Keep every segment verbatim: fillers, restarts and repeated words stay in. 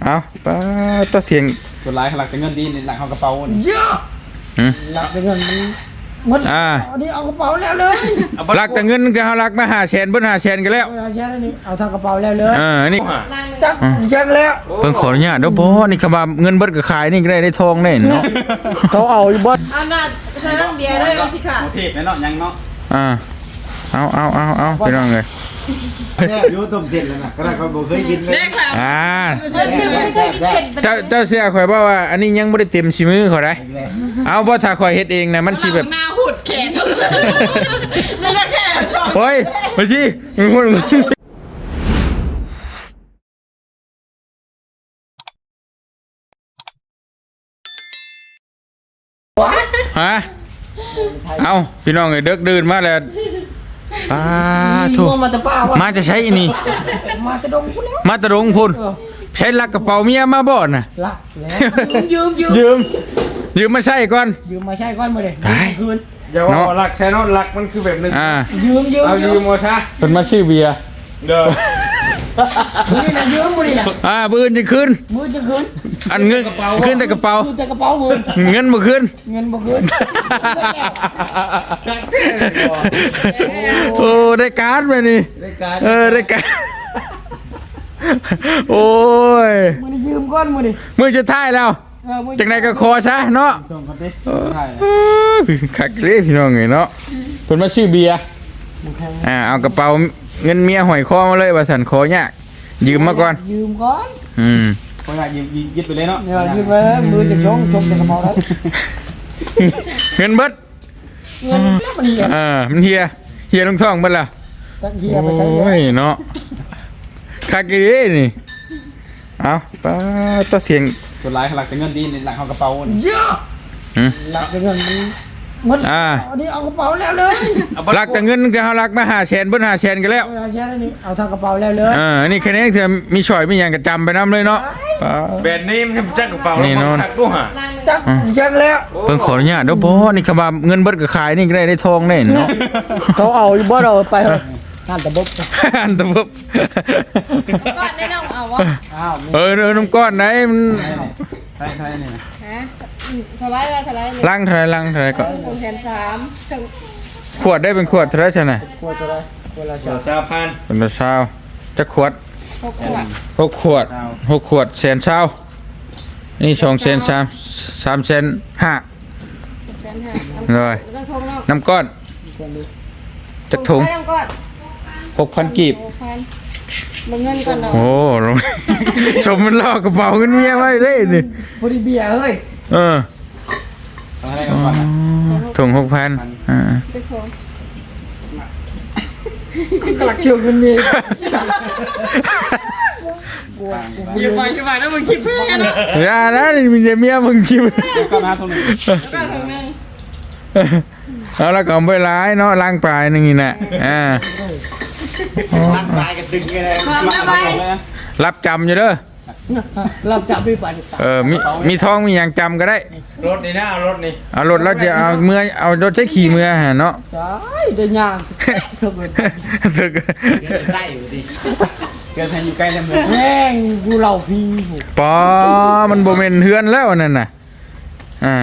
เอาป้าตัวเสียงตัวร้ายหลักแต่เงินดีในหลังเขากระเป๋าเยอะหลักแต่เงินมันอ่าอันนี้เอากระเป๋าแล้วเลยหลักแต่เงินก็เอาหลักมาหาแสนเบิ้ลหาแสนกันแล้วเอาแสนนี่เอาทางกระเป๋าแล้วเลยอ่านี่จักจักแล้วเพิ่งขออนุญาตเด้อบ่นี่คำว่าเงินเบิ้ลก็ขายนี่ก็ได้ได้ทองแน่เนาะเขาเอาอยู่บ่เอาหน้าเธอต้องเบียร์ด้วยสิค่ะเทพแน่เนาะยังเนาะอ่าเอาเอาเอาเอาไปน้องเลยยูต้มเสร็จแล้วนะก็ได้เขาบอกเคยกินเลยอ่าเจ้าเจ้าเสียข่อยบอกว่าอันนี้ยังไม่ได้เต็มชิมือเขาได้เอาเพราะถ้าข่อยเฮ็ดเองนะมันชีแบบหน้าหุดแขนนี่นะแค่ชอบโอ้ยมาสิมึงพูดฮะเอาพี่น้องเอ้ยเด็กดื่นมาแล้วป้าถูกมาจะใช้นี่มาตะดงพุ่นแล้วมาตะดงพุ่นใช้ลักกระเป๋าเมียมาบ่น่ะลักยืมยืมยืมยืมมาใช้ก่อนยืมมาใช้ก่อนมาเลยคืนอย่าว่าหลักใช่เนาะหลักมันคือแบบนึงอ่ายืมยืมเอายืมมาซะเป็นมาชื่อเบียร์เด้อมือนี่นะยืมมือนี่นะอ่าปืนจะขึ้นมือจะขึ้นอันเงินขึ้นแต่กระเป๋าขึ้นแต่กระเป๋ามือเงินบ่ขึ้นเงินบ่ขึ้นโอ้ได้การ์ดมานี่เออได้การ์ดโอ้ยมือนี่ยืมก้อนมือนี่มือจะท้ายแล้วจากไหนก็คอซะเนาะขักเล่พี่น้องไงเนาะคนมาชื่อเบียร์อ่าเอากระเป๋าเงินเมียหอยคอมาเลยว่าสันคอยากยืมมาก่อนยืมก่อนอืมพออยากยืมยึดไปเลยเนาะยืมไปมือจะชงชงแต่กระเป๋าแล้วเงินเบิดเงินมันเฮียอ่ามันเฮียเฮียลงท้องเบิดล่ะเฮียไปใช้โอ้ยเนาะคักอีนี่เอาป้าตัวเสียงตัวร้ายหลักแต่เงินดีในหลังเขากระเป๋าเยอะหลักแต่เงินมันอ่าอันนี้เอากระเป๋าแล้วเลยหลักแต่เงินก็เอาหลักมาหาแสนเบิ้ลหาแสนกันแล้วเอาแสนนี่เอาทางกระเป๋าแล้วเลยอ่านี่แค่นี้จะมีช่อยมีอย่างกระจำไปน้ำเลยเนาะแบรนด์นี้มันจักกระเป๋านี่นอนจักจักแล้วเพิ่งขออนุญาตเด้อบ่นี่คำว่าเงินเบิ้ลก็ขายนี่ก็ได้ได้ทองแน่เนาะเขาเอาอยู่บ่เราไปหันตะบบหันตะบบก้อนได้น้องเอาวะเออเออน้ำก้อนไหนมันใช่ใช่นี่ฮะสบายเลยสบายเลยลังเท่าไรลังเท่าไรก็สองแสนสามขวดได้เป็นขวดเท่าไรใช่ไหมขวดเท่าไรขวดละสามพันเป็นละเช้าจะขวดหกขวดหกขวดหกขวดแสนเช้านี่สองแสนสามสามแสนห้าเลยน้ำก้อนจักถุงหกพันกีบเงินก่อนเนาะโอ้ชมมันลอกกระเป๋าเงินเมียไว้ได้นี่พอดีเบียร์เฮ้ยเออถุงหกพันอ่าหลักเกี่ยวกันนี่อย่าไปอย่าไปนะมึงคิดเพื่อนนะอย่านะนี่มีเมียมึงคิดก็มาตรงนี้เอาละก็ไปร้ายเนาะล้างปลายนึงนี่นะอ่าร่างกายกันตึงเลยรับจำอยู่เด้อรับจำไม่ไปเออมีมีท้องมีอย่างจำก็ได้รถนี่นะเอารถนี่เอารถแล้วจะเอาเมื่อเอารถใช้ขี่เมื่อฮะเนาะใช่ได้ยากถึกถึกใกล้อยู่ดิเกิดแทนอยู่ใกล้แล้วแม่งกูเล่าพี่ปอมันโบเมนเฮือนแล้วนั่นน่ะอ่า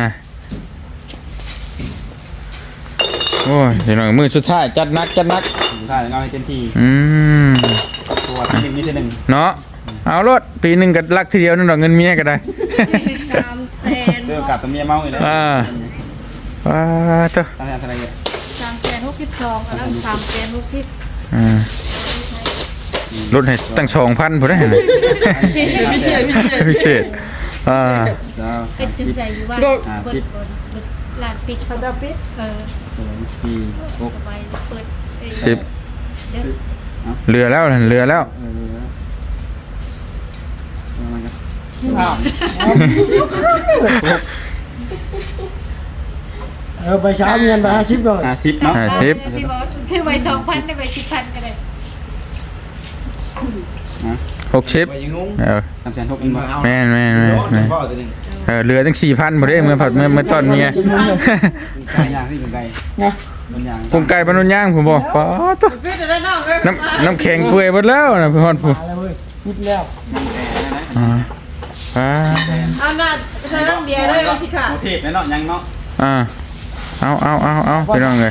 โอ้ยเดี๋ยวหน่อยมือสุดท้ายจัดนักจัดนักใช่เอาให้เต็มที่อืมตัวที่หนึ่งนี่จะหนึ่งเนาะเอารถปีหนึ่งก็รักทีเดียวนั่นดอกเงินเมียก็ได้สามแสนเจอกับตัวเมียเมาเลยอ่าว้าเจ้าตั้งแต่อะไรเงี้ยสามแสนหกสิบสองแล้วสามแสนหกสิบอ่ารถให้ตั้งสองพันพอได้ไหมพิเศษพิเศษพิเศษอ่าเป็นจุดใจอยู่ว่าสิบหลานปิดเขาจะปิดเออสองสี่หกสิบเรือแล้วเรือแล้วเออไปเช้าเงินไปห้าสิบก่อนห้าสิบเนาะห้าสิบคือไปสองพันได้ไปสิบพันก็ได้หกสิบเออสามแสนหกอินแม่แม่แม่แม่เออเรือตั้งสี่พันพอได้เมื่อผัดเมื่อเมื่อตอนเมียไก่ย่างที่เป็นไก่ผมไก่ปนุญย่างผมบอกป๋อตัวน้ำน้ำแข็งเปื่อยหมดแล้วนะพี่ฮอนผมพูดแล้วอ่าเอาหน้าเธอเบียร์ด้วยลงสิค่ะโอเทพแน่เนาะยังเนาะอ่าเอาเอาเอาเอาพี่น้องเลย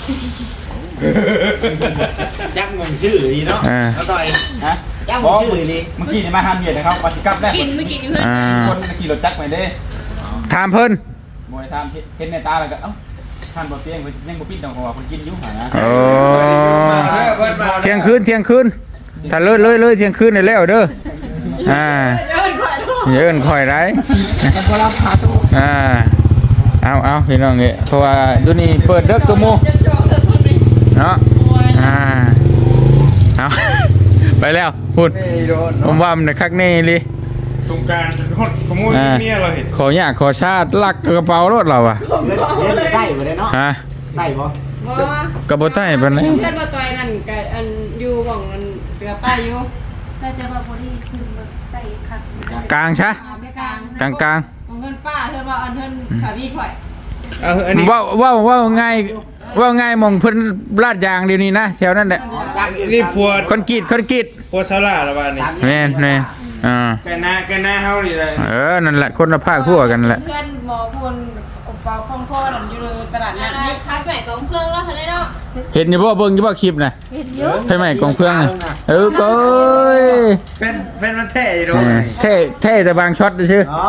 จักงงชื่อดีเนาะอ่าเอาต่อยฮะจักงงชื่อดีเมื่อกี้นี่มาห้ามเหยียดนะครับมาสิกลับได้กินไม่กินเพื่อนอ่าคนขี่รถจักรไปเด้ถามเพิ่นมวยทำเห็นในตาแล้วก็เอ้าท่านบ่เตียงเพิ่นยังบ่ปิดดอกหัวคนกินอยู่หานะโอ้เที่ยงคืนเที่ยงคืนถ้าเลยเลยเลยเที่ยงคืนนี่แล้วเด้ออ่าเดินขวาลูกอย่าเอิ้นข่อยไรมันก็รับขาตู้อ่าเอาเอาพี่น้องเอ้ยเพราะว่าดูนี่เปิดเด้อกระโมจะจองเธอทุนนี่เนาะอ่าเอา ไปแล้วพูดผมว่ามันคักแน่เลยสงการเป็นคนขโมยเมียเราเห็นขออยากขอชาติลักกระเป๋ารถเราอะๆเล่นเล่นได้บ่ได้เนาะฮะได้บ่บ่กระโบใต้ปานนี้เพื่อนมาต่อยนั่นกับอันอยู่ของอันเกลือป้าอยู่แต่จะมาพอดีคือมาใส่ขัดกลางชะอาไม่กลางกลางกลางของเพื่อนป้าเพื่อนว่าอันเพื่อนขาพี่ข่อยเอาอันนี้ว่าว่าว่าง่ายว่าง่ายมองเพิ่นลาดยางเดี๋ยวนี้นะแถวนั้นแหละจักนี่พัวคอนกรีตคอนกรีตพัวซาร่าละบ้านนี่แม่นแม่นอ่าแกหน้าแกหน้าเฮานี่เลยเออนั่นแหละคนละภาคคั่วกันแหละเพื่อนหมอพลอบเปาคล่องคอนั่นอยู่ในตลาดนัดนี่คัดใส่กองเครื่องแล้วทันได้เนาะเห็นอยู่บ่เบิ่งอยู่บ่คลิปน่ะเห็นเยอะใช่ไหมกองเพื่องน่ะเออก็ยเป็นเป็นมันแท้อยู่เออเท่เท่แต่บางช็อตซื่ออ๋อบ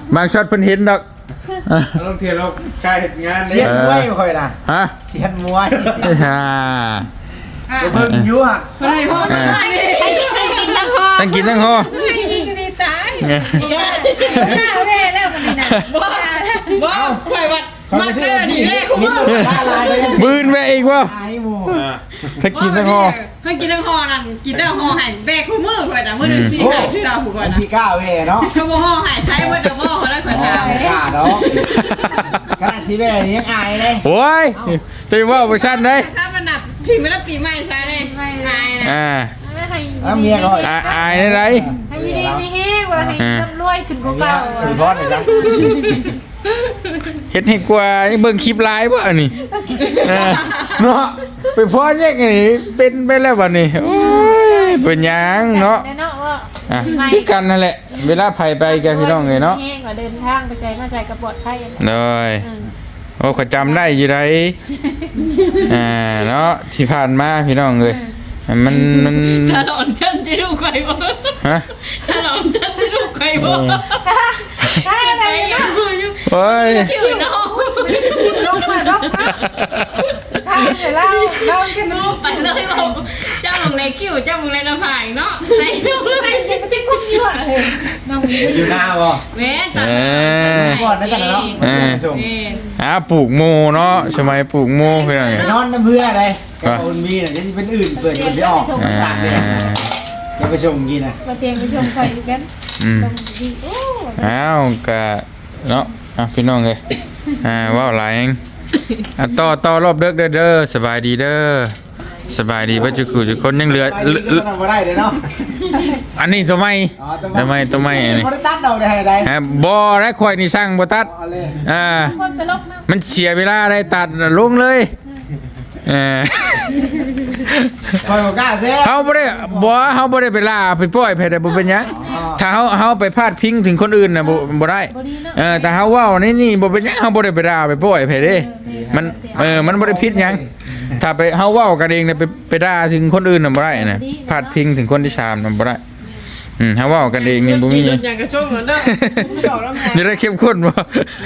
างช็อตเพิ่นเห็นดอกอ่ะลงเทียนเรากายเหตุงานเสียนมวยบ่ค่อยน่ะฮะเสียนมวยฮ่าอ่ะเบิ่งอยู่อ่ะเพื่อนให้พ่อมานี่ให้ให้กินทั้งคอตั้งกินตั้งฮอให้กินกันดีตายไงข้าวแร่แล้วมันนี่นะบ่บ่ข่อยวัดเขามาไม่เจใช่อว่านี่ที่แรกหินลงท่าลายเลยบืนไปอีกบ่ไอ้หมู่ถ้ากินตั้งฮอให้กินทั้งห่อนั่นกินทั้งห่อหันแบกคู่มือข่อยน่ะมื้อนึงสิหายชื่อเอาผู้ข่อวัยนน่ะที่เก้าเว้ยเนาะเขาบ่ห่อหายใช้บ่จะบ่เขาได้ข่อยถามกล้าดอกขนาดที่แม่นี่ยังอายเลยโอ้ยตีว่าเวอร์ชันได้ถ้ามันหนักถึงไม่ได้ปีใหม่ใช่ได้ไม่ได้นะอ่าไม่ให้อ้าเมียก็อ่าอายได้ไรให้ดีไม่แห้งว่าให้ร่ำรวยขึ้นกว่าเมียเก่าคือพอดเลยจ้ะเฮ็ดให้กว่าเบิ่งคลิปไลฟ์บ่อันนี้เออเนาะไปพอแยกอันนี้เป็นไปแล้วบัดนี้โอ้ยเป็นหยังเนาะแน่เนาะว่าอ่ะคือกันนั่นแหละ เวลาไผไปกับพี่น้องเลยเนาะแห้งกว่าเดินทางไปใช้มาใช้กระปอดไข่เลยโอ้ขอยจำได้อยู่ไดอ่าเนาะที่ผ่านมาพี่น้องเลยมันมันถ้าหลอนฉันจะดูใครบ่ฮะถ้าหลอนฉันจะดูใครบ่ได้ไหมไปยัเนาะงมืออยู่โอ้ยที่อื่นเนาะลงมาลงมาทางเดี๋ยวเล่าเล่ากันนูเนาะไปเลยบอกเจ้าของในคิวเจ้าของในหน้าผากเนาะใส่ดูเลไอ้ยเด็กก็จะคุ้มเยอะเลยน้องมีอยู่หน้าบ่แม่ตัดเออก่อนได้กันเนาะส่งแม่อ่าปลูกโมเนาะสมัยปลูกโมพี่น้องไปเลยนอนน้ำเพื่ออะไรกับคนมีน่ะจะเป็นอื่นเปิดคนที่ออกอ่าตากแดดจะไปส่งกินน่ะมาเตียงไปชมใครกันอืมตรงดีโอ้อ้าวกะเนาะอ่ะพี่น้องเลยอ่าว้าวหลายเองอ่ะต่อต่อรอบเด้อเด้อเด้อสบายดีเด้อสบายดีบ่จุกจุกคนยังเหลือไปดีก็ทำมาได้เลยเนาะอันนี้ตัวใหม่อ๋อตัวใหม่ตัวใหม่อันนี้บ่ได้ตัดดอกได้ให้ได้ฮะบ่ได้ข่อยนี่สั่งบ่ตัดเอาเลยอ่าคนตลกมากมันเสียเวลาได้ตัดน่ะลงเลยเออคอยบ่กล้าแซ่เฮาบ่ได้บ่เฮาบ่ได้ไปล่าไปปล่อยไผได้บ่เป็นหยังถ้าเฮาเฮาไปพาดพิงถึงคนอื่นน่ะบ่บ่ได้บดีเนาะเออแต่เฮาเว้านี่นี่บ่เป็นหยังเฮาบ่ได้ไปด่าไปปล่อยไผเด้มันเออมันบ่ได้ผิดหยังถ้าไปเฮาเว้ากันเองน่ะไปไปด่าถึงคนอื่นน่ะบ่ได้นะพาดพิงถึงคนที่สามน่ะบ่ได้อืมเฮาเว้ากันเองนี่บ่มีหยังอย่างกระช่วงเหมือนเดิมบอกแล้วไงจะได้เข้มข้นบ่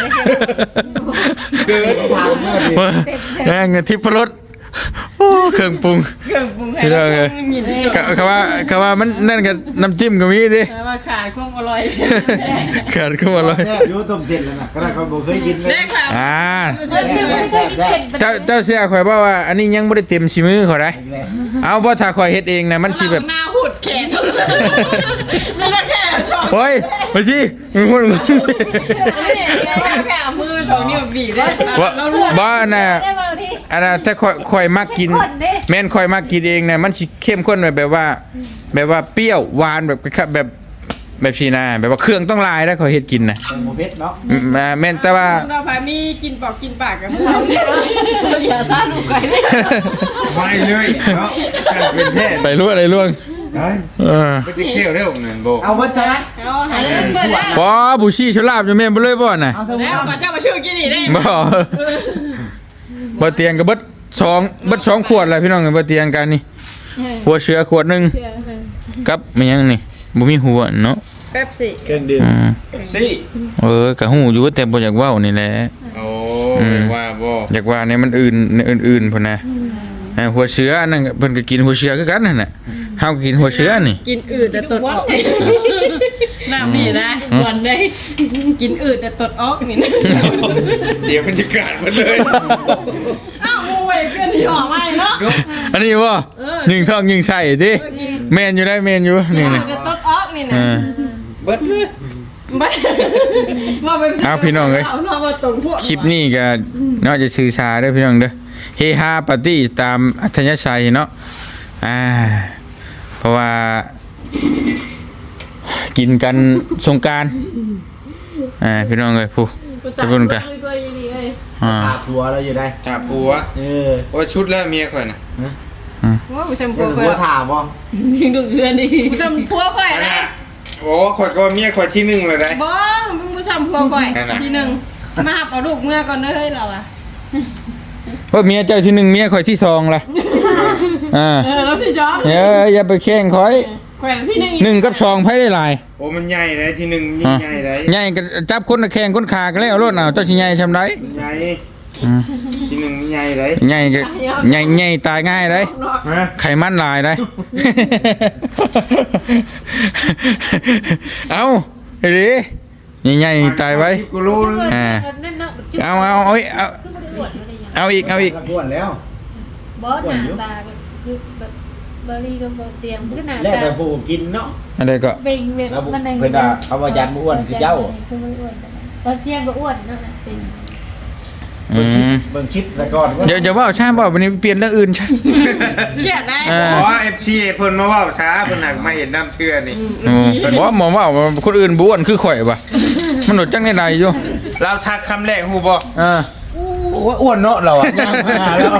คือทางเมื่อดีแม่งทิพรสโอ้เครื่องปรุงเครื่องปรุงให้เราช่วงมินจบก็เขาว่าเขาว่ามันนั่นกับน้ำจิ้มก็มีดิแต่ว่าขาดความอร่อยขาดขึ้นมาเลยแซ่บอยู่ต้มเสร็จแล้วน่ะก็ได้เขาบ่เคยกินเลยได้ค่ะอ่าเดี๋ยวไม่ใช่เสร็จเจ้าเจ้าเสียข่อยบอกว่า อันนี้ยังไม่ได้เต็มชิมือข่อยได้อีกแล้วเอาเพราะถ้าข่อยเฮ็ดเองนะมันสิแบบหน้าหุดแขนนี่แหละแค่ชอบโอ้ยมาสิมึงพูดมึงนี่แค่มือสองนิ้วบีบได้ว่าบ้าน่ะได้มาที่อันน่ะถ้าข่อยข่อยมักกินเข้มข้นดิแม่นข่อยมักกินเองนะมันสิเข้มข้นแบบแบบว่า แบบว่าเปรี้ยวหวานแบบแบบแบบชีนาแบบว่าเครื่องต้องลายได้ข่อยเฮ็ดกินนะแตงโมเพชรเนาะอืมอ่าแม่นแต่ว่าเราพามีกินปอกกินปากกับเราอย่าต้านลูกไก่เลยไม่เลยเนาะการเป็นแท้ไปรู้อะไรล่วงเฮ้ยเออไปเที่ยวเร็วนั่นโบเอาเบิดซะนะเอาหายเพื่อนแล้วพอบุชีชลาบจะแม่นบ่เลยบ่น่ะเอาซะแล้วเอาก่อนเจ้ามาช่วยกินอีกได้บ่บ่เตียงก็เบิดสองเบิดสองขวดแล้วพี่น้องบ่เตียงกันนี่หัวเสือขวดหนึงกับมันยังนี่บ่มีหัวเนาะเป๊ปซี่เครื่องดื่มอืมสิเออก็ฮู้อยู่แต่บ่อยากเว้านี่แหละโอ้ว่าบ่อยากว่าเนี่ยมันอื่นในอื่นๆพุ่นนะเออหัวเสืออันนั้นก็เพิ่นก็กินหัวเสือคือกันนั่นน่ะเฮาก็กินหัวเสือนี่กินอืดแต่ตดออกน้ำนี่นะวันได้กินอืดแต่ตดออกนี่นะเสียบรรยากาศหมดเลยอ้าวมูไปเพื่อนที่ออกมาเนาะอันนี้บ่ยิงท่องยิงใส่ติแม่นอยู่ได้แม่นอยู่นี่อืนี่ดแต่ตดออกนี่เอนะอเบิดเลยไม่ว่าไปเอาพี่น้องเอ้ยเอาเนาะว่าตรงพวกคลิปนี้ก็เนาะจะสื่อสารเด้อพี่น้องเด้อเฮฮาปาร์ตี้ตามอัธยาศัยเนาะอ่าเพราะว่า กินกันสงกรานต์อ่าพี่น้องเอ้ยผู้ทุกคนกันอ่าอาบหัวเราอยู่ได้ถาผัวเออโอ้ชุดแล้วเมียข่อยน่ะว่าผู้ชมเอพัวอค่อหัยวถามบ่ยิงดูเพื่อนดิผู้ชมพัวค่อยนะโอ้ข่อยก็ว่าเมียข่อยที่หนึ่งเลยได้บ้องมึงผู้ชมพัวค่อยทีหนึ่งมาหับเอาลูกเมื่อก่อนเฮ้ยเราอะเพราะเมียเจ้าที่หนึ่งเมียข่อยที่สองล่ะอ่าเออแล้วพี่จอมเอ้ยอย่าไปแข่งข่อยแขวนที่หนึ่งหนึ่งกับสองไผได้หลายโอ้มันใหญ่เลยที่หนึ่งยิ่งอ่ะใหญ่เลยใหญ่ก็จับคนละแข่งคนขากันแล้วเอารถเอาเจ้าสิใหญ่ชำไดมันใหญ่อืมที่หนึ่งมันใหญ่เลยใหญ่ก็ใหญ่ใหญ่ตายง่ายได้ฮะไขมันหลายได้ เอาไอ้ดิใหญ่ๆตายไว้สิบกิโลเลยอ่าเอาเอาเอาอีกเอาเอาอีกเอาอีกกระปวนแล้วบอสหน้าตาคือแบบบริก็บเตรียมคือหน้าแล้วตาแต่ผู้กินเนาะอะไรก็เบ่งแบบแล้วมันเพิ่นว่าเขาว่ายันบ่อ้วนคือเจ้าคือมันอ้วนตอนเชียงก็อ้วนเนาะเป็นอืเบิ่งคลิปมเบิ่งคลิปแต่ก่อนว่าเดี๋ยวจะว่าใช่ป่ะวันนี้เปลี่ยนเรื่องอื่นใช่เขียนได้อ่าเพราะว่าเอฟซีเพิ่นมาเว่าช้าเพิ่นหักมาเห็นน้ำเทือนี่อ๋อบอกว่าหมอว่าคนอื่นบ้วนคือข่อยป่ะมันหนดจังในใดอยู่เราทักคำแรกฮู้บ่อ่าโอ้อ้วนเนาะเราอ่ะย่างมาแล้ว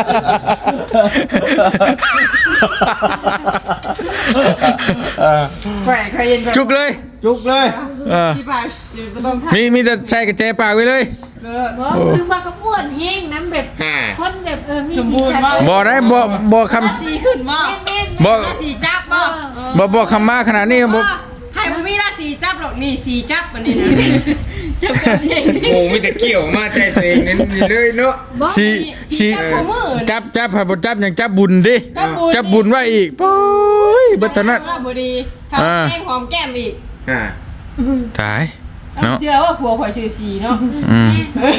แขวนใครเย็นจุกเลยจุกเลยเออที่ป่าไม่ต้องทักมีมีแต่ใส่กระเจปากไว้เลยบอสคือว่าก็อ้วนแห้งน้ำแบบฮ่าคนแบบเออมีสมบูรณ์มากบ่ได้บ่บ่คถ้าสีขึ้นบ่แม่นำบ่ถ้าสีจับบ่บ่บ่คำมาขนาดนี้บ่ให้บ่มีราสีจับหรอกนี่สีจับอันนี้นะจับกันเองโอ้มีแต่เกี่ยวมาใจตัวเองนั่นนี่เลยเนาะสีสีจับมือจับจับให้บ่จับอย่างจับบุญดิจับบุญจับบุญไว้อีกโอ้ยเบัดเท่านั้นบ่ดีทำแก้มหอมแก้มอีกฮ่าตายเนาะเชื่อว่าผัวข่อยชื่อสีเนาะอืม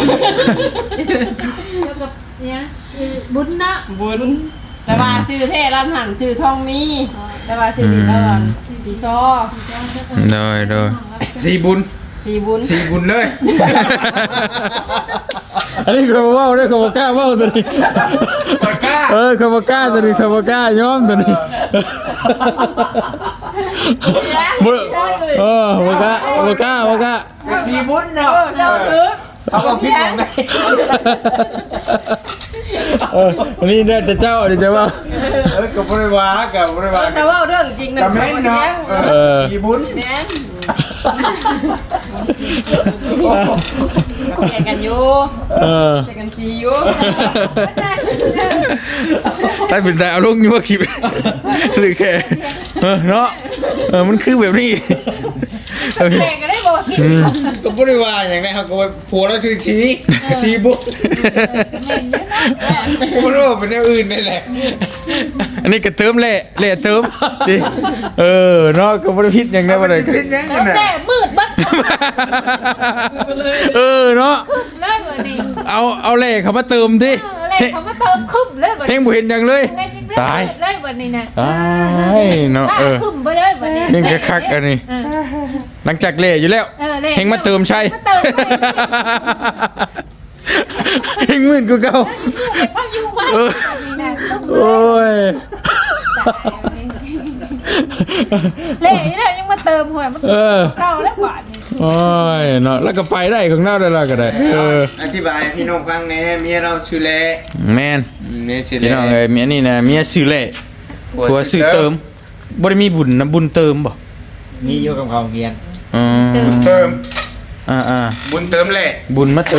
แล้วกับเนี่ยคือบุญเนาะบุญแต่ว่าชื่อเท่ร้านหันชื่อทองมีแต่ว่าชื่อดินตะวันสีซอโดยโดยสีบุญสีบุญสีบุญเลยอันนี้เขาว่าด้วยเขาบอกกล้าว่าตัวนี้ข่อยกล้าเออเขาบอกกล้าตัวนี้เขาบอกกล้ายอมตัวนี้บ่เออบอกกล้าบอกกล้าบอกกล้าสีบุญเนาะเจ้าถือเอาเอาคิดของได้เอออันนี้เนี่ยแต่เจ้าเดี๋ยวจะว่าเออกับบริวารกับบริวารแต่ว่าเรื่องจริงนะกับแม่นเนาะเออสีบุญแม่นแข่งกันอยู่เออแข่งกันสีอยู่ใต้เป็นแต่เอาลงอยู่ว่าคลิปหรือแค่เออเนาะเออมันคือแบบนี้แข่งก็ได้บอกที่กับบริวารอย่างไรเขาก็ว่าผัวเราชื่อชีชีบุญแม่นเยอะนะไม่รู้ว่าเป็นอย่างอื่นนี่แหละอันนี้กระเติมเละเละเติมดิเออเนาะก็บริพิษอย่างนี้มาเลยเป็นยังไงแล้วน่ะแต่มืดบัดเออเนาะคึมเลยวันนี้เอาเอาเละเขามาเติมดิอะไรเขามาเติมคึมเลยวันเฮงบุเห็นอย่างเลย ตายเลยวันนี้นะตายเนาะเออคึมไปเลยวันนี้ยังจะคักอันนี้เออหลังจากเละอยู่แล้วเออเลยเฮงมาเติมใช่มาเติมใช่เฮงมื่นกูเก่าพักอยู่วันเออนี้นะต้องโอ้ยเละนี่แหละยังมาเติมหัวมันเออเก่าแล้วบาทนี่โอ้ยเนาะแล้วก็ไปได้ข้างหน้าได้และก็ได้เอออธิบายพี่น้องฟังแหน่เมียเราชื่อเละแมนเมียชื่อพี่เละน้องเอ้ยเมียนี่นะเมียซื้อเละผัวซื้อเติมบ่ได้มีบุญนะบุญเติมบ่มีอยู่กับเขาเกียนอ๋อบุญเติมอ่าอ่าบุญเติมแหละบุญมาเติม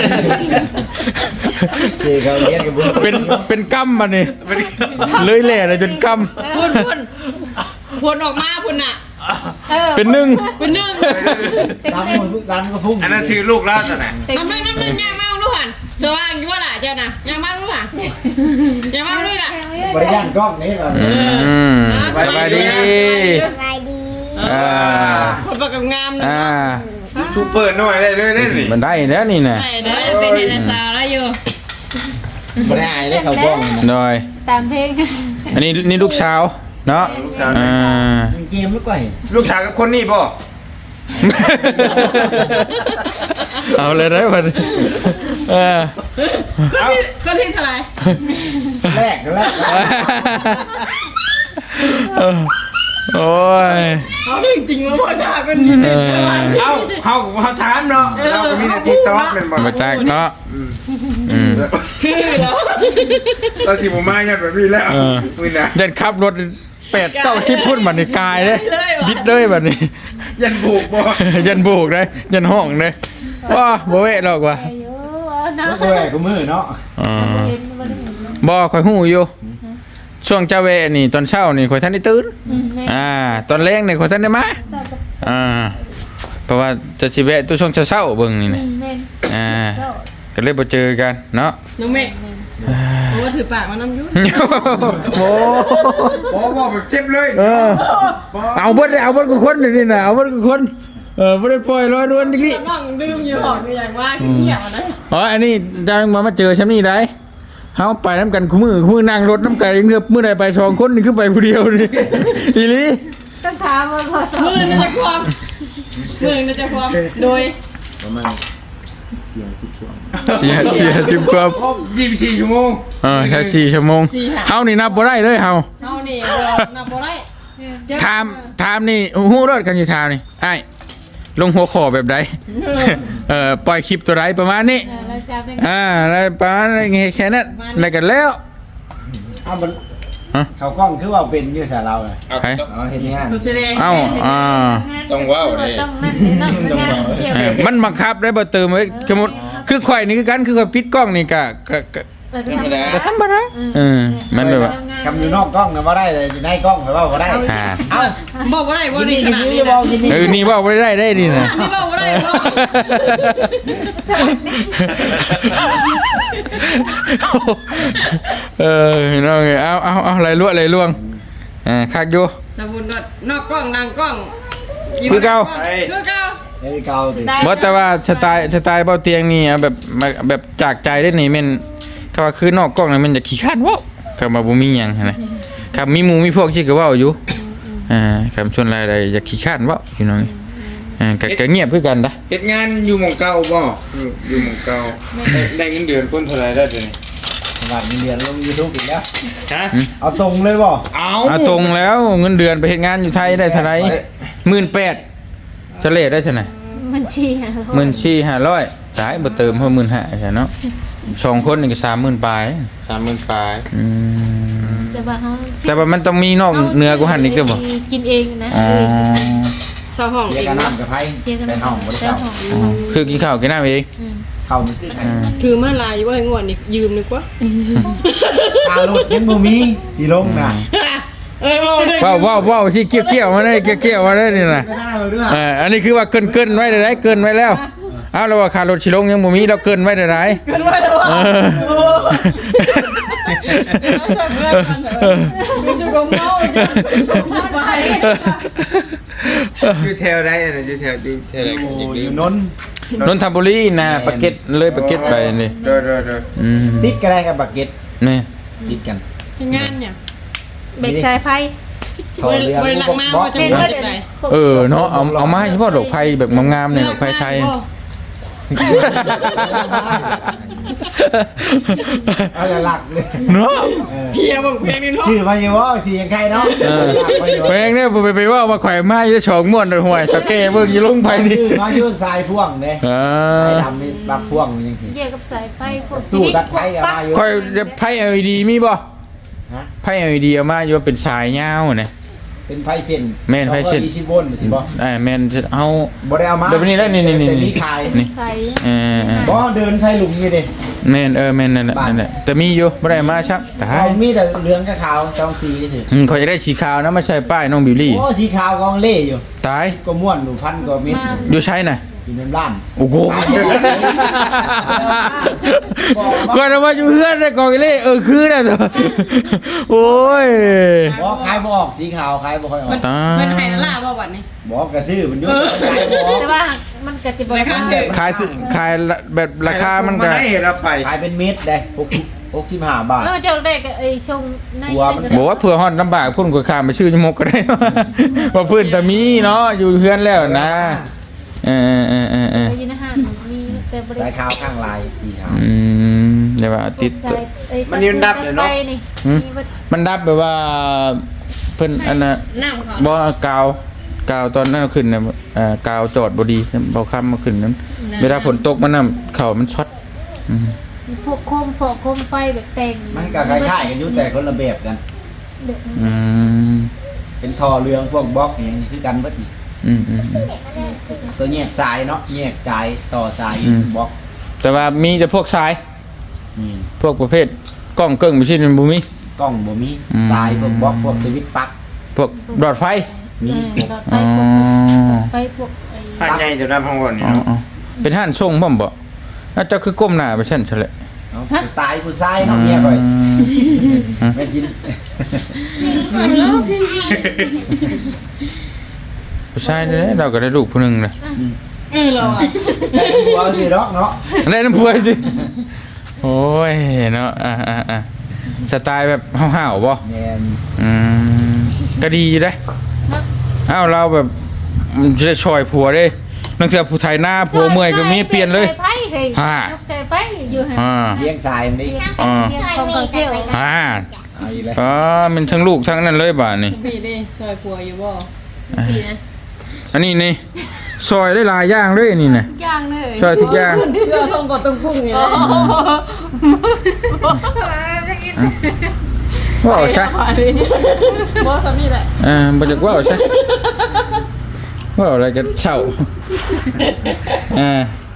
คือเขาเกียนกับบุญเป็นเป็นกรรมมานี่เลยแหล่เลยจนกรรมพุ่นพุ่นพุ่นออกมาพุ่นน่ะเป็นหนึ่งเป็นหนึ่งตามมันตามก็พุ่งอันนั้นคือลูกแล้วน่ะนะน้ำหนึ่งน้ำหนึ่งยังมาลูกหันสว่างอยู่ว่าล่ะเจ้าน่ะยังมาลูกหันยังมาลูกล่ะบริการกล้องนี่แบบอืมสบายดีสบายดีอ่าคนประกับงามนะอ่าเนาะชูเปิดหน่อยได้เลยได้นี่มันได้แล้วนี่นะได้เด้อเป็นเฮนซาแล้วอยู่บริการเลยเขากล้องนะโดยตามเพลงอันนี้นี่ลูกสาวเนาะลูกสาวอ่าเกมไม่กว่าลูกสาวกับคนนี้ป่ะเอาเลยได้ป่ะเออก็ที่ก็ที่เท่าไหร่แรกก็แรกเออโอ้ยเขาจริงๆว่าพ่อจ่าเป็นเออเอ้าเฮาเฮาถามเนาะเราก็มีแต่ทิกต็อกเป็นบ่มาจากเนาะอืมคือแล้วเราสิบ่มายันแบบนี้แล้วเออมื้อน่ะยันขับรถแปดเก้าชิปพุ่นบัดนี้กายเลยบิดเลยบัดนี้ยันบุกบ่ยันโบกเลยยันห้องเลยว้าบ่เวะหรอกว่ะอายุเนาะก็แหวกก็มือเนาะอ๋อเห็นบ่ได้เห็นเนาะบ่ข่อยฮู้อยู่ช่วงเจ้าเวะนี่ตอนเช้านี่ข่อยทันได้ตื่นอืมแม่อ่าตอนแรงนี่ข่อยทันได้มาเจ้ากับอ่าเพราะว่าจะสิแวะตัวช่วงเช้าๆเบิ่งนี่อืนะมแม่อ่าเจ้าก็เลยบ่เจอกันเนาะน้องเมฆโอ้ถือปากมาน้ำยุ่งโอ้บ่บ่แบบเจ็บเลยเออเอาเบิดเอาเบิดกูคนนี่น่ะเอาเบิดกูคนเออบ่ได้ปล่อยลอยนวลจังนี้น้องดื่มอยู่หอกอยู่อย่างว่าเงียบอ่ะนะอ๋ออันนี้ดังมามาเจอฉันนี่ได้เฮาไปน้ำกันคู่มือคู่มือนั่งรถน้ำกันเงือบมื้อใดไปสองคนนี่คือไปผู้เดียวนี่ อีหลีต้องถามว่าพอสอมือหนึ่งจะความมือหนึ่งจะความโดยประมาณเสียงสิบช่วงเสียเสียสิบกว่ายี่สิบสี่ชั่วโมงเออแค่สี่ชั่วโมงเฮานี่นับบ่ได้เลยเฮาเอานี่เบอร์นับบ่ได้ถามถามนี่ฮู้รถกันอยู่ทางนี่อ้ายลงหัวข้อแบบใดเอ่อปล่อยคลิปตัวใดประมาณนี้เราจับได้อ่าแล้วประมาณนี้แค่นั้นแล้วกันแล้วเอามันฮะเขากล้องคือว่าเป็นอยู่แต่เราเลยเอาใครต้องเอาเห็นงานตัวแสดงเอ้าอ่าต้องว้าวเลยต้องนั่นนั่นงานเกี่ยวเออมันบังคับได้บ่เติมไว้สมมุติคือข่อยนี่คือกันคือข่อยปิดกล้องนี่ก็ก็ก็ธรรมดาก็ธรรมดาเออมันแบบว่าคำอยู่นอกกล้องนะว่าได้เลยอยู่ในกล้องแต่ว่าบ่ได้อ่าเอ้าบอกบ่ได้บ่กินได้นี่ขกินนาดนี่นี้บอกกินนี่เออนี่ว่าบ่ได้ได้นี่นะนี่บอกบ่ได้บ่เออพี่น้องเอ้ยเอาเอาเอาอะไรลวกอะไรล่วงอ่าคักอยู่สมุนนอกกล้องดังกล้องคือเก่าคือเก่าเฮ้ยเกาติบ่แต่ว่าสไตล์สไตล์เบาเตียงนี่เอาแบบมาแบบจากใจได้นี่แม่นก็ว่าคือนอกกล้องนี่มันจะขี้คร้านเว้าก็มาบ่มีหยังหั้นนะครับมีหมู่มีพวกที่ก็เว้าอยู่อ่าคำชวนรายใดอยากขี้คร้านเว้าพี่น้องอ่าก็ก็เงียบคือกันนะเฮ็ดงานอยู่หม่องเก่าบ่อยู่อยู่หม่องเก่าได้ได้เงินเดือนคนเท่าไหร่ได้เดี๋ยวนี้หลังเรียนลงยูทูบอีกแล้วฮะเอาตรงเลยบ่เอาเอาตรงแล้วเงินเดือนไปเฮ็ดงานอยู่ไทยได้เท่าไหร่หนึ่งหมื่นแปดพันจะเลทได้เท่าไหร่มันชี้หาหมื่นสี่ห้าร้อยตายบ่เติมเพิ่มหมื่นห้าใช่เนาะสองคนนี่ก็สามหมื่นปลายสามหมื่นปลายอืมแต่ว่าเขาแต่ว่ามันต้องมีนอกเหนือกูหันอีกด้วยบ่กินเองนะอ๋อชาวห้องเสียเองกันเนาะน้ำกับไพ่เจียกันแต่ห้องบ่ได้แต่เข้าห้องคือกินข้าวกินน้ำเองเข้ามันซื้อให้ถือมาลายว่าให้งวดนี่ยืมดีกว่าคารถยังบ่มีสิลงน่ะเออเอาเลยว้าวว้าวว้าวสิเกี่ยวเกี่ยวมาได้เกี่ยวเกี่ยวมาได้นี่นะก็ตั้งแต่เรื่องเอออันนี้คือว่าเกินเกินไว้ได้เกินไว้แล้วเอาแล้วว่าค่ารถชิลงยังบ่มีเราเกินไว้ได้ไรเกินไปแล้วว่ะเออโอ้ไม่ใช่เพื่อนกันเหรอไม่ใช่กงเมาไม่ใช่ชมไปอยู่แถวใดน่ะอยู่แถวอยู่แถวใดก็อยากอลืมยู่นนท์นนทบุรีนะปากเก็ตเลยปากเก็ตไปนี่เด้อเด้อเด้ออืมติดก็ได้กับบักเก็ตนี่ติดกันงานเนี่ยเบรกสายไฟเขาเรียนบริลักมาว่าจะเป็นมาว่าจากไหนเออเนาะเอาเอามาให้เฉพาะดอกไผ่แบบงามๆเนี่ยดอกไผ่ไทยเอาละหลักเลยเนาะเออเฮียบอกเพลงนี้เนาะชื่อมาอยู่ว่าสียังใครเนาะเออหลักมาอยู่เพลงเนี่ยไปไปว่ามาแขวนไม้จะฉองม่วนห่วยตะเก้เบิ่งอยู่ลงไปนี่ชื่อมาอยู่สายพ่วงเด้อ่าสายดำนี่บักพ่วงยังสิเกี่ยวกับสายไฟพวกสู้ตัดไพ่เอามาอยู่ค่อยไพ่ แอล อี ดี มีบ่ฮะไพ่ แอล อี ดี เอามาอยู่ว่าเป็นสายยาวน่ะเป็นไพ่เส้นแม่นไพ่เส้นยี่สิบโวลต์สิบ่อ่าแม่นเฮาบ่ได้เอามาเดี๋ยวนี้แล้วนี่นี่นี่แต่มีขายนี่ใครเออเออบ่เดินไพ่หลุมนี่ดิแม่นเออแม่นนั่นแหละนั่นแหละแต่มีอยู่บ่ได้มาชักตาเอายมีแต่เหลืองกับขาวสองสีเฉยอืมเขาจะได้สีขาวนะมาใส่ป้ายน้องบิวลี่โอ้สีขาวกองเล่อยู่ตายก็ม่วนอยู่พันกว่าเม็ดอยู่ใช่น่ะอยู่ในร้านโอ้โหก่อนมาอยู่เพื่อนได้กองเล่เออคือน่ะตัวโอ้ยบ่ขายบ่ออกสีขาวขายบ่ค่อยออกมันตายมันให้นั่นล่ะบ่วันนี้บอกกระซื้อมันอยู่ขายบ่ออกแต่ว่ามันก็จะบอกราคาว่าถูกขายสิขายแบบราคามันก็ให้เราไปขายเป็นเม็ดได้หกสิบ หกสิบห้าบาทเออเจ้าได้ก็ไอ้ชงในหัวมันบอกว่าเผื่อฮอดลำบากพุ่นกว่าข้ามไปชื่อจมกก็ได้ ว่าเพื่อนแต่มีเนาะอยู่เพื่อนแล้วนะเออเออเออเออไอ้ยินอาหารมีแต่บริสายขาวข้างลายสีขาวอืมเดี๋ยวว่าติดใช่ไอ้มันยืนดับเลยเนาะไฟนี่หืมมีวัดมันดับแบบว่าเพิ่นอันน่ะน้ำก่อนบ่กาวกาวตอนนั้นเอาขึ้นน่ะเอ่อกาวจอดบ่ดีบ่ค้ำมาขึ้นนั้นเวลาฝนตกมันน่ะเข้ามันช็อตอืมพวกโคมฟอกโคมไฟแบบแต่งมันก็คล้ายๆกันอยู่แต่คนละแบบกันเด็กอืมเป็นท่อเรืองพวกบล็อกอหย่างนี้คือกันเบิดนี่อืมอืมอืมตัวแยกสายเนาะแยกสายต่อสายอืมบล็อกแต่ว่ามีแต่พวกสายนี่พวกประเภทกล้องเกิ้งบ่ใช่มันบ่มีกล้องบ่มีอืมสายพวกบล็อกพวกสวิตช์ปลั๊กพวกหลอดไฟมีเออหลอดไฟพวกหลอดไฟพวกไอ้ผ่านใหญ่จะได้พังวนนี่อ๋อเนาะอ๋อเป็นห้านส่งบ่มบ่แล้วเจ้าคือก้มหน้าไปซั่นซะแหละเนาะตายผู้ชายเนาะเมียก่อยอืมไม่กินผู้ชายนี่แหละเราก็ได้ลูกผู้หนึงเลยเออเราอ่ะแต่หัวสิดอกเนาะได้น้ำพุสิโอ้ยเนาะอ่าอ่าอ่าสไตล์แบบห้าวๆบ่แม่นอืมก็ดีอยู่เด้เอ้าเราแบบมันจะได้ช่วยผัวเด้นังเทื่อผู้ไทยหน้าผัวเมื่อยก็มีเปลี่ยนเลยใจไฟเฮ้ยฮ่ายกใจไฟอยู่ให้อ่าเลี้ยงสายมันดิอ่าเรียนของกองเที่ยวอ่าเอาอีกแล้วอ๋อมันทั้งลูกทั้งนั้นเลยบาดนี่พี่ดิซอยผัวอยู่บ่ดีนะอันนี้นี่ซอยได้หลายอย่างเลยนี่นะย่างเลยซอยทุกอย่างเพื่อต้องกดต้องพุ่งอยู่เลยว้าวใช่บ่สามีแหละอ่าบ่จักว้าวใช่ว้าวอะไรกันเช่าอ่า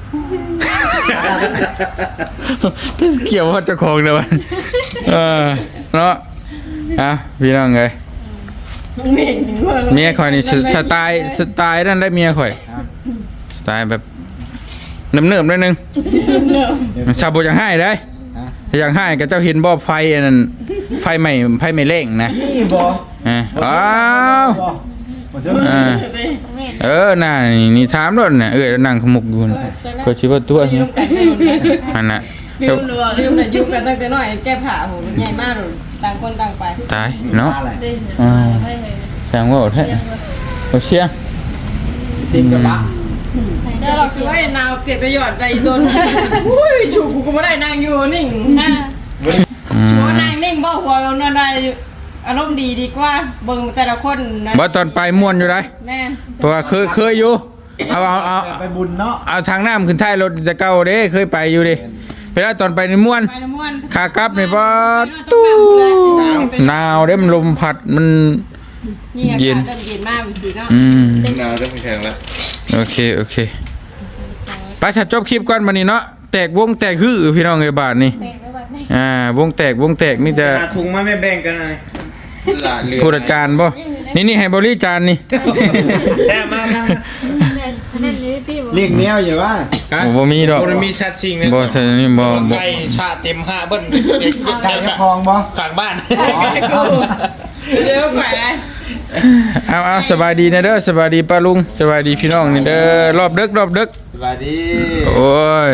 เกี่ยวว่าเจ้าของเด้อวะเออเนาะอ่ะพี่น้องเอ้ยเหม็นหัวเมียข่อยนี่สสไตล์สไตล์นั่นได้เมียข่อยสไตล์แบบเนิบๆนิดนึงมันชาวบ่อยากให้ได้ฮะถ้าอยากให้ก็เจ้าเห็นบ่ไฟอันนั้นไฟใหม่ไฟใหม่เร่งนะนี่บ่อ่าอ้าวบ่บ่ซื้ออ่าเออน่ะนี่นี่ถามรถน่ะเอ้ยนั่งขมุกอยู่น่ะก็สิว่าตัวอยู่กันได้หมดเลยอันน่ะลืมเลยลืมเลยอยู่กันตั้งแต่น้อยแก้ผ้าโหใหญ่มากเลยต่างคนต่างไปตายเนาะอะไรได้อ่าให้เลยแซงว่าแท้เอาเสียงติมกระบะเดี๋ยวเราคือว่าไนาวเปลี่ยนประโยชน์ใจโดนอุ้ยชูกูก็ไม่ได้นั่งอยู่นิ่งอืมหัวนั่งนิ่งบ่หัวมันอะไรอารมณ์ดีดีกว่าเบิ่งแต่ละคนนะบ่ตอนไปม่วนอยู่ได้แม่เพราะว่าเคยเคยอยู่เอาเอาเอาไปบุญเนาะเอาทางน้ำขึ้นท้ายรถจะเก่าเด้เคยไปอยู่ดิเวลาตอนไปนี่ม่วนไปละม่วนขากลับนี่บ่ตู้หนาวเด้มันลมพัดมันยิ่งอาเย็กาน ศเริ่มเย็นมากไปสิเนาะอืมหนาวจะไม่แข็งแล้วโอเคโอเคไปฉัดจบคลิปก่อนบัดนี้เนาะแตกวงแตกฮือพี่น้องเอ้ยบาทนี่แต่งไว้บัดนี้อ่าวงแตกวงแตกมีแต่หาถุงมาไม่แบ่งกันเลยหลานเหลือผู้จัดการบ่นี่นี่ให้บริจานนี่แต้มามาอันนั้นนี่พี่บอกเรียกแมวอยู่ว่าโอ้บ่มีดอกบ่มีชัดชิงเลยบ่ใช่นี่บ่บ่ไก่ชาเต็มห้าเบิ้ลเต็มขึ้นไก่กระพองบ่ข้างบ้านอ๋อเดี๋ยวก่อนเลยเอาเอาสบายดีนะเด้อสบายดีป้าลุงสบายดีพี่น้องนี่เด้อรอบดึกรอบดึกสวัสดีโอ้ย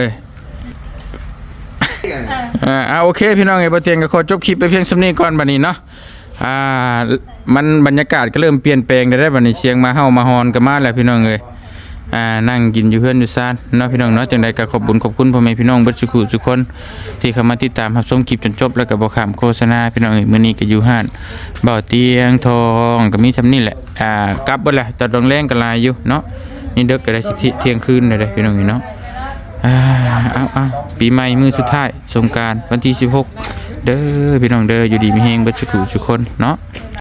อ่าเอาโอเคพี่น้องไอ้บ่เตียงก็ขอจบคลิปไปเพียงส่ำนี้ก่อนบัดนี้เนาะอ่ามันบรรยากาศก็เริ่มเปลี่ยนแปลงได้ได้บัดนี้เสียงมาเฮามาฮอนกันมาแล้วพี่น้องเอ้ยอ่านั่งกินอยู่เฮือนอยู่ซ่านเนาะพี่น้องเนาะจังใดก็ขอบคุญขอบคุณพ่อแม่พี่น้องเบิดทุกผู้ทุกคนที่เข้ามาติดตามรับชมคลิปจนจบแล้วก็บ่ข้ามโฆษณาพี่น้องเอ้ยมื้อนี้ก็อยู่ห้านเบาเตียงทองก็มีทำนี่แหละอ่ากลับเบิดแหละแต่ดองแรงก็หลายอยู่เนาะนี่เด็กก็ได้สิเที่ยงคืนเลยเด้อพี่น้องเอ้ยเนาะ อ่าเอาเอาปีใหม่มือสุดท้ายสงกรานต์วันที่สิบหกเด้อพี่น้องเด้ออยู่ดีมีเฮงเบิดสุขุทุกคนเนาะ